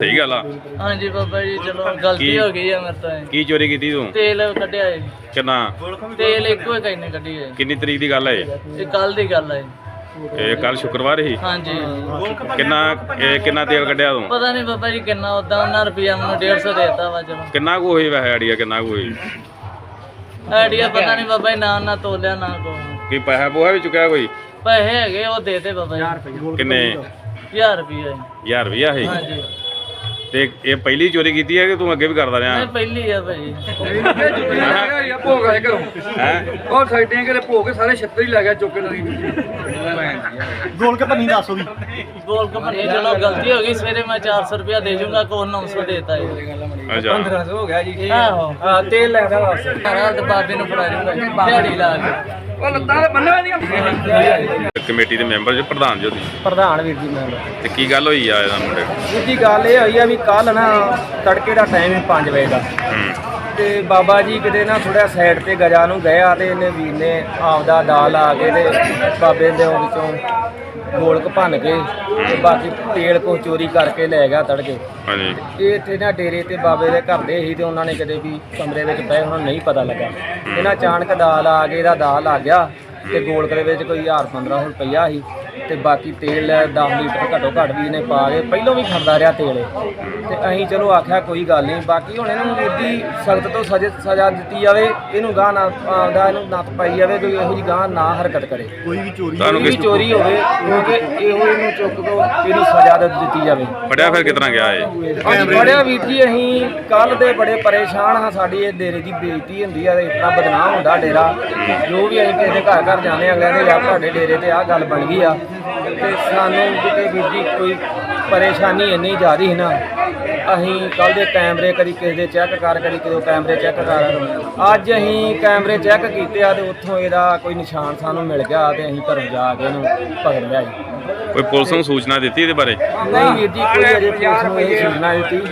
सही गल आ। हाँ जी बाबा जी चलो गलती हो गई है मेरे तो। की चोरी की तू? तेल कढ़िया है। कितना? तेल एक कहीं कढ़ी है। किन्नी तरीक की गल है ये कल की गल है। ये कल शुक्रवार ही? हाँ जी। किन्ना तेल कढ़िया तू? पता नहीं बाबा जी किन्ना उदा उन्हें रुपया मैं 150 देता वा। चलो किन्ना को होई वैसे आइडिया किन्ना को होई? आइडिया पता नहीं बाबा जी ना तोलिया ना को। की पैसा पोहा भी चुकाया कोई? पैसे है वो देते बाबा जी। किन्ने? 1000 रुपया। 1000 रुपया है? हाँ जी। ਤੇ ਇਹ ਪਹਿਲੀ ਚੋਰੀ ਕੀਤੀ ਹੈ ਕਿ ਤੂੰ ਅੱਗੇ ਵੀ ਕਰਦਾ ਰਿਹਾ? नहीं पहली है भाई। ਭੋਗ ਆਏ ਘਰੋਂ ਉਹ ਸਾਈਡਾਂ ਕਿਤੇ ਭੋਗ ਕੇ ਸਾਰੇ ਛੱਤਰ ਹੀ ਲੈ ਗਿਆ ਚੁੱਕ ਕੇ ਨਦੀ ਗੋਲ ਕੇ ਪੰਨੀ ਦੱਸੋ ਵੀ गोल का बनी चलो गलती हो गई। सवेरे मैं 400 रुपया दे दूंगा को 900 देता है। ਅੱਛਾ 1500 ਹੋ ਗਿਆ ਜੀ आहो ਹਾਂ ਤੇਲ ਲੈਦਾ ਵਾਪਸ सारा तो बाबे ਨੂੰ ਫੜਾ ਦੂੰਗਾ ਦਿਹਾੜੀ ਲਾ ਕੇ। ਉਹ ਲੱਤਾਂ ਤੇ ਬੰਨਿਆ ਨਹੀਂ ਕਮੇਟੀ ਦੇ ਮੈਂਬਰ ਜੋ ਪ੍ਰਧਾਨ ਜੋ ਤੁਸੀਂ? ਪ੍ਰਧਾਨ ਵੀਰ ਜੀ ਮੈਂ ਤੇ ਕੀ ਗੱਲ ਹੋਈ ਆ ਇਹਦਾ ਮੁੰਡੇ ਨੂੰ? ਵੀਰ ਜੀ ਗੱਲ ਇਹ ਹੋਈ ਆ ਵੀ ਕੱਲ ਨਾ ਤੜਕੇ ਦਾ ਟਾਈਮ ਹੈ 5 ਵਜੇ ਦਾ ਤੇ ਬਾਬਾ ਜੀ ਕਿਤੇ ਨਾ ਥੋੜਾ ਸਾਈਡ ਤੇ ਗਜਾ ਨੂੰ ਗਏ ਆ ਤੇ ਇਹਨੇ ਵੀਰ ਨੇ ਆਪਦਾ ਡਾਲ ਆ ਕੇ ਤੇ ਬਾਬੇ ਦੇ ਵਿੱਚੋਂ ਗੋਲਕ ਭੰਨ ਕੇ ਤੇ ਬਾਕੀ ਤੇਲ ਕੋ ਚੋਰੀ ਕਰਕੇ ਲੈ ਗਿਆ ਤੜਕੇ। ਹਾਂਜੀ ਇਹ ਇੱਥੇ ਨਾ ਡੇਰੇ ਤੇ ਬਾਬੇ ਦੇ ਘਰ ਦੇ ਸੀ ਤੇ ਉਹਨਾਂ ਨੇ ਕਦੇ ਵੀ ਕਮਰੇ ਵਿੱਚ ਪਏ ਉਹਨਾਂ ਨੂੰ ਨਹੀਂ ਪਤਾ ਲੱਗਾ। ਇਹਨਾਂ ਅਚਾਨਕ ਦਾਲ ਆ ਕੇ ਇਹਦਾ ਦਾਲ ਆ ਗਿਆ ਤੇ ਗੋਲਕ ਦੇ ਵਿੱਚ ਕੋਈ 1000-1500 ਰੁਪਈਆ ਸੀ ਤੇ ਬਾਕੀ ਤੇਲ 10 ਲੀਟਰ ਘੱਟੋ ਘੱਟ ਵੀ ਇਹਨੇ ਪਾ ਕੇ ਪਹਿਲੋਂ ਵੀ ਖਾਂਦਾ ਰਿਹਾ ਤੇਲ ਤੇ ਅਸੀਂ ਚਲੋ ਆਖਿਆ ਕੋਈ ਗੱਲ ਨਹੀਂ ਬਾਕੀ ਹੁਣ ਇਹਨਾਂ ਨੂੰ ਮੁੱਦੀ ਸਖਤ ਤੋਂ ਸਜ਼ਾ ਦਿੱਤੀ ਜਾਵੇ। ਇਹਨੂੰ ਗਾਹ ਨਾ ਆਪਦਾ ਇਹਨੂੰ ਨੱਥ ਪਾਈ ਜਾਵੇ ਕੋਈ ਇਹੋ ਜਿਹੀ ਗਾਹ ਨਾ ਹਰਕਤ ਕਰੇ। ਕੋਈ ਵੀ ਚੋਰੀ ਤੁਹਾਨੂੰ ਕੋਈ ਵੀ ਚੋਰੀ ਹੋਵੇ ਕਿਉਂਕਿ ਇਹੋ ਇਹਨੂੰ ਚੁੱਕ ਕੇ ਇਹਨੂੰ ਸਜ਼ਾ ਦਿੱਤੀ ਜਾਵੇ। ਫੜਿਆ ਫਿਰ ਕਿਤਨਾ ਗਿਆ ਇਹ? ਬੜਿਆ ਵੀਰ ਜੀ ਅਸੀਂ ਕੱਲ ਦੇ ਬੜੇ ਪਰੇਸ਼ਾਨ ਹਾਂ। ਸਾਡੀ ਇਹ ਡੇਰੇ ਦੀ ਬੇਇੱਜ਼ਤੀ ਹੁੰਦੀ ਆ ਤੇ ਇਤਨਾ ਬਦਨਾਮ ਹੁੰਦਾ ਡੇਰਾ। ਜੋ ਵੀ ਅਸੀਂ ਕਿਸੇ ਦੇ ਘਰ ਘਰ ਜਾਂਦੇ ਆ ਅਗਲੇ ਦੇ ਯਾਰ ਤੁਹਾਡੇ ਡੇਰੇ ਤੇ ਆਹ ਗੱਲ ਬਣ ਗਈ ਆ ਤੇ ਸਾਨੂੰ ਕਿਤੇ ਵੀਰ ਜੀ ਕੋਈ ਪਰੇਸ਼ਾਨੀ ਇੰਨੀ ਜ਼ਿਆਦਾ ਸੀ ਨਾ ਅਸੀਂ ਕੱਲ ਦੇ ਕੈਮਰੇ ਕਦੀ ਕਿਸੇ ਦੇ ਚੈੱਕ ਕਰ ਕਦੀ ਕਿਸੇ ਕੈਮਰੇ ਚੈੱਕ ਕਰ ਅੱਜ ਅਸੀਂ ਕੈਮਰੇ ਚੈੱਕ ਕੀਤੇ ਆ ਤੇ ਉੱਥੋਂ ਇਹਦਾ ਕੋਈ ਨਿਸ਼ਾਨ ਸਾਨੂੰ ਮਿਲ ਗਿਆ ਤੇ ਅਸੀਂ ਘਰੋਂ ਜਾ ਕੇ ਇਹਨੂੰ ਪਕੜ ਲਿਆ ਜੀ। ਕੋਈ ਪੁਲਿਸ ਨੂੰ ਸੂਚਨਾ ਦਿੱਤੀ ਇਹਦੇ ਬਾਰੇ? ਨਹੀਂ ਵੀਰ ਜੀ ਕੋਈ ਅਜੇ ਪੁਲਿਸ ਨੂੰ ਇਹ ਸੂਚਨਾ ਦਿੱਤੀ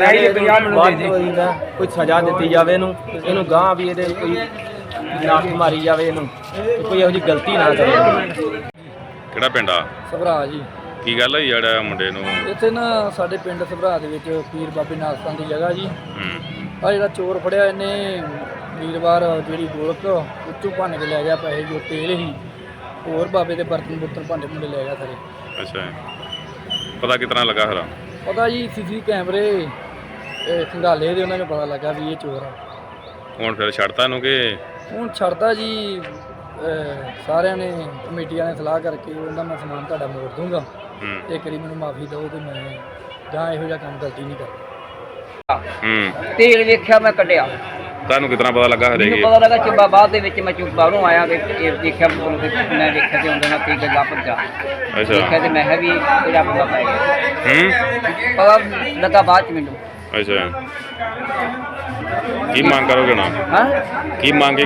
ਅਸੀਂ ਕੋਈ ਸਜ਼ਾ ਦਿੱਤੀ ਜਾਵੇ ਇਹਨੂੰ ਗਾਂ ਵੀ ਇਹਦੇ ਕੋਈ ਨਾਕ ਮਾਰੀ ਜਾਵੇ ਇਹਨੂੰ ਕੋਈ ਇਹੋ ਜਿਹੀ ਗਲਤੀ ਨਾ ਕਰੇ। ਕਿਹੜਾ ਪਿੰਡ ਆ? ਸਭਰਾ ਜੀ ਕੀ ਗੱਲ ਹੋਈ ਜਿਹੜਾ ਮੁੰਡੇ ਨੂੰ? ਇੱਥੇ ਨਾ ਸਾਡੇ ਪਿੰਡ ਸਭਰਾ ਦੇ ਵਿੱਚ ਪੀਰ ਬਾਬੇ ਨਾਸਤਾਂ ਦੀ ਜਗ੍ਹਾ ਜੀ ਆ ਜਿਹੜਾ ਚੋਰ ਫੜਿਆ ਇਹਨੇ ਵੀਰਵਾਰ ਜਿਹੜੀ ਗੋਲਕ ਉੱਚੋਂ ਭੰਨ ਕੇ ਲੈ ਗਿਆ ਪੈਸੇ ਜੋ ਤੇਲ ਸੀ ਹੋਰ ਬਾਬੇ ਦੇ ਬਰਤਨ ਭਾਂਡੇ ਭੁੰਡੇ ਲੈ ਗਿਆ ਸਾਰੇ। ਅੱਛਾ ਪਤਾ ਕਿਤਨਾ ਲੱਗਾ ਹਰਾ? ਪਤਾ ਜੀ ਸੀਸੀ ਕੈਮਰੇ ਖੰਗਾਲੇ ਦੇ ਉਹਨਾਂ ਨੂੰ ਪਤਾ ਲੱਗਾ ਵੀ ਇਹ ਚੋਰ ਆ। ਹੁਣ ਫਿਰ ਛੱਡਤਾ ਇਹਨੂੰ ਕਿ? ਹੁਣ ਛੱਡਦਾ ਜੀ ਸਾਰਿਆਂ ਨੇ ਕਮੇਟੀਆਂ ਨੇ ਸਲਾਹ ਕਰਕੇ ਉਹਨਾਂ ਮੈਂ ਸਮਾਨ ਤੁਹਾਡਾ ਮੋੜ ਦੂੰਗਾ ਤੇ ਇੱਕ ਵਾਰੀ ਮੈਨੂੰ ਮਾਫੀ ਦਿਓ ਤੇ ਮੈਂ ਜਾਂ ਇਹੋ ਜਿਹਾ ਕੰਮ ਗਲਤੀ ਨਹੀਂ ਕਰਦਾ। ਤੇਲ ਵੇਖਿਆ ਮੈਂ ਕੱਢਿਆ ਤੁਹਾਨੂੰ ਕਿਤਨਾ ਪਤਾ ਲੱਗਾ ਹਰੇ? ਮੈਨੂੰ ਪਤਾ ਲੱਗਾ ਚੁੱਬਾ ਬਾਅਦ ਦੇ ਵਿੱਚ ਮੈਂ ਬਾਹਰੋਂ ਆਇਆ ਤੇ ਇਹ ਦੇਖਿਆ ਮੈਂ ਵੇਖਿਆ ਤੇ ਉਹਦੇ ਨਾਲ ਕੋਈ ਗੱਲਾਂ ਭੱਜਾ ਅੱਛਾ ਦੇਖਿਆ ਤੇ ਮੈਂ ਕਿਹਾ ਵੀ ਇਹਦਾ ਪਤਾ ਪੈ ਗਿਆ। ਪਤਾ ਲੱਗਾ ਬਾਅਦ ਚ ਮੈਨੂੰ। ਅੱਛਾ ਕੀ ਮੰਗ ਕਰੋਗੇ ਨਾ? ਹਾਂ ਕੀ ਮੰਗ